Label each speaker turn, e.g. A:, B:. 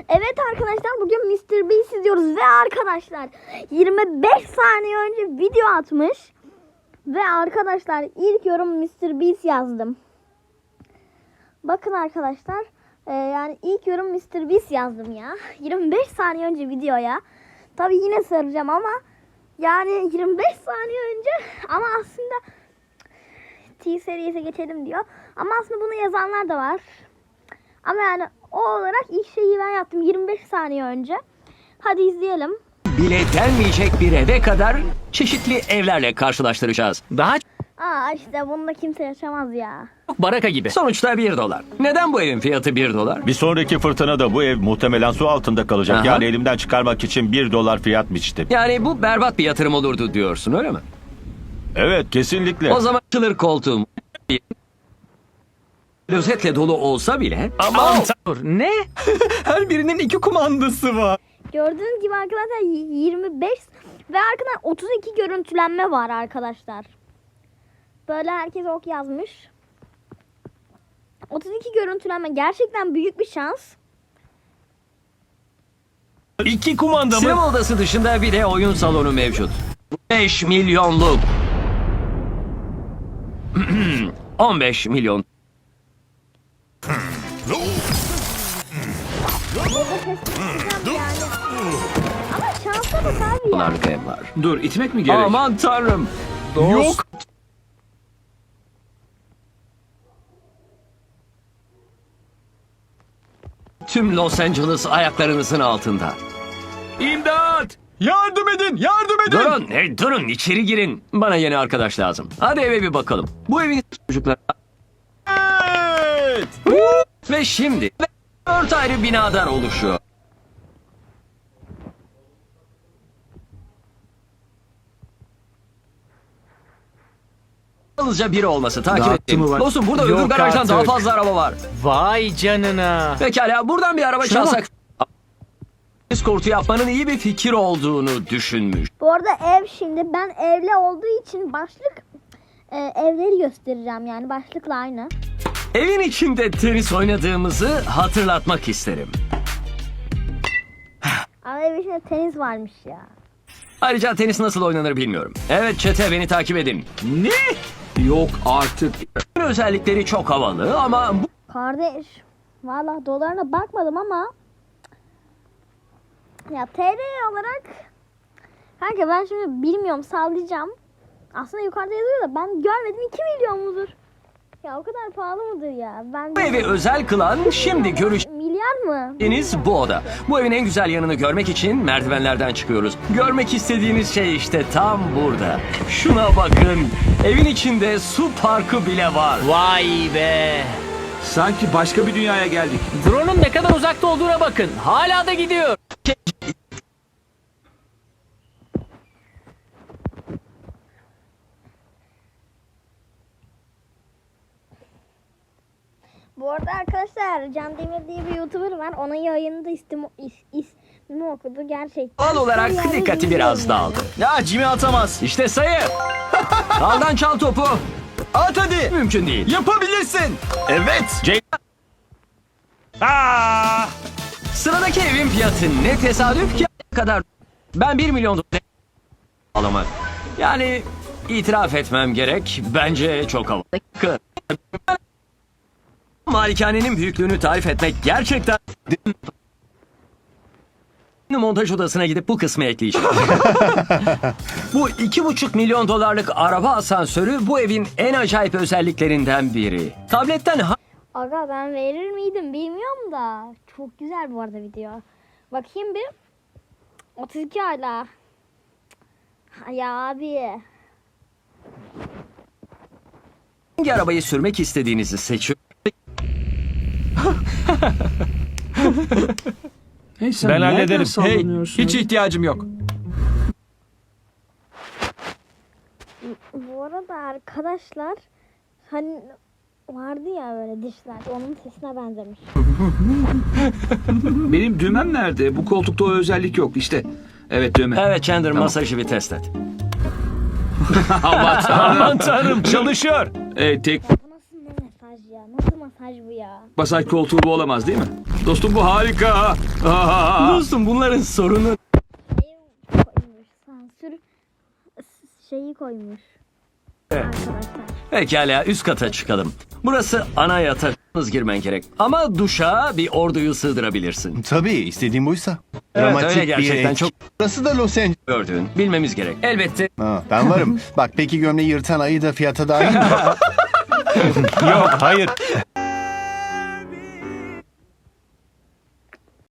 A: Evet arkadaşlar, bugün Mr. Beast izliyoruz ve arkadaşlar 25 saniye önce video atmış. Ve arkadaşlar ilk yorum Mr. Beast yazdım. Bakın arkadaşlar, yani ilk yorum Mr. Beast yazdım ya. 25 saniye önce videoya. Tabi yine saracağım ama yani 25 saniye önce, ama aslında T seriyese geçelim diyor. Ama aslında bunu yazanlar da var. Ama yani o olarak ilk şeyi ben yaptım 25 saniye önce. Hadi izleyelim.
B: Bile denmeyecek bir eve kadar çeşitli evlerle karşılaştıracağız. Daha
A: İşte bunda kimse yaşamaz ya.
B: çok baraka gibi. Sonuçta $1. Neden bu evin fiyatı $1?
C: Bir sonraki fırtınada bu ev muhtemelen su altında kalacak.
B: Aha.
C: Yani elimden çıkarmak için $1 fiyat biçtim.
B: Yani bu berbat bir yatırım olurdu diyorsun, öyle mi?
C: Evet, kesinlikle.
B: O zaman açılır koltuğum. Klozetle dolu olsa bile...
D: Aman tanrım, ne? Her birinin 2 kumandası var.
A: Gördüğünüz gibi arkadaşlar 25 ve arkadan 32 görüntülenme var arkadaşlar. Böyle herkes ok yazmış. 32 görüntülenme gerçekten büyük bir şans.
D: 2 kumanda mı?
B: Sinema odası dışında bir de oyun salonu mevcut. 5 milyonluk. 15 milyon.
A: Burada ses çıkacağım yani. Ama şansa bak abi ya.
B: Dolarlık ev var.
D: Dur, itmek mi gerek?
B: Aman tanrım.
D: Yok.
B: Tüm Los Angeles ayaklarınızın altında.
D: İmdat! Yardım edin, yardım edin!
B: Durun, durun, içeri girin. Bana yeni arkadaş lazım. Hadi eve bir bakalım. Bu evin çocuklar...
D: Evet!
B: Ve şimdi 4 ayrı binadan oluşuyor. Yalnızca biri olması takip
D: Dağıttı
B: ettim.
D: mı var?
B: Dostum, burada
D: Yok
B: öbür garajdan
D: artık.
B: daha fazla araba var.
D: Vay canına.
B: Pekala, buradan bir araba
D: Şuna
B: çalsak... Eskortu yapmanın iyi bir fikir olduğunu düşünmüş.
A: Bu arada ev, şimdi ben evli olduğu için başlık evleri göstereceğim, yani başlıkla aynı.
B: Evin içinde tenis oynadığımızı hatırlatmak isterim.
A: Ama evin içinde tenis varmış ya.
B: Ayrıca tenis nasıl oynanır bilmiyorum. Evet çete, beni takip edin.
D: Ne? Yok artık.
B: Özellikleri çok havalı ama bu
A: Kardeş, valla dolarına bakmadım ama ya TL olarak kanka, ben şimdi bilmiyorum, sallayacağım. Aslında yukarıda yazıyor da ben görmedim, 2 milyon mudur? Ya o kadar pahalı mıdır ya? Ben
B: bu evi özel kılan şimdi
A: milyar mı?
B: görüşeceğiniz bu oda. Bu evin en güzel yanını görmek için merdivenlerden çıkıyoruz. Görmek istediğiniz şey işte tam burada. Şuna bakın. Evin içinde su parkı bile var.
D: Vay be.
E: Sanki başka bir dünyaya geldik.
D: Drone'un ne kadar uzakta olduğuna bakın. Hala da gidiyor.
A: Bu arada arkadaşlar, Can Demir diye bir YouTuber var. Onun yayınında ismimi okudu gerçekten.
B: Doğal olarak
A: Yani
B: dikkati biraz dağıldı.
D: Ya Jimmy atamaz.
B: İşte sayı. Daldan çal topu.
D: At hadi.
B: Mümkün değil.
D: Yapabilirsin.
C: Evet.
B: Sıradaki evin fiyatı ne tesadüf ki kadar. Ben 1 milyon dolar alamak. Yani itiraf etmem gerek. Bence çok havalı. Malikanenin büyüklüğünü tarif etmek gerçekten... Montaj odasına gidip bu kısmı ekleyeceğim. Bu 2,5 milyon dolarlık araba asansörü bu evin en acayip özelliklerinden biri. Tabletten
A: Aga, ben verir miydim bilmiyorum da. Çok güzel bu arada video. Bakayım bir. 32 hala. Ya abi.
B: hangi arabayı sürmek istediğinizi seçin.
E: Hey, sen
C: Ben
E: nereden
C: hallederim.
E: sallanıyorsun?
D: Hiç ihtiyacım yok.
A: Bu arada arkadaşlar, hani vardı ya böyle dişler, onun sesine benzemiş.
E: Benim düğmem nerede? Bu koltukta o özellik yok. İşte. Evet, düğme.
B: Evet Chandler, masajı bir test et.
E: Aman tanrım.
D: Aman tanrım, çalışıyor.
E: Tek
A: Bu nasıl mesaj ya? Nasıl masaj imaj bu ya.
E: Masaj koltuğu bu olamaz değil mi? Dostum bu harika. Aa!
B: Dostum bunların sorunu
A: Koymuş. Sansür şeyi koymuş. Arkadaşlar.
B: Pekala üst kata çıkalım. Burası ana yatak. Yalnız girmen gerek. Ama duşa bir orduyu sığdırabilirsin.
F: Tabii istediğim buysa.
B: Evet,
F: Dramatik
B: öyle
F: bir
B: gerçekten
F: ek.
B: çok
F: Burası da Los Angeles.
B: gördüğün. Bilmemiz gerek. Elbette
F: Ha, ben varım. Bak peki gömleği yırtan ayı da fiyata dahil mi?
C: Yok hayır.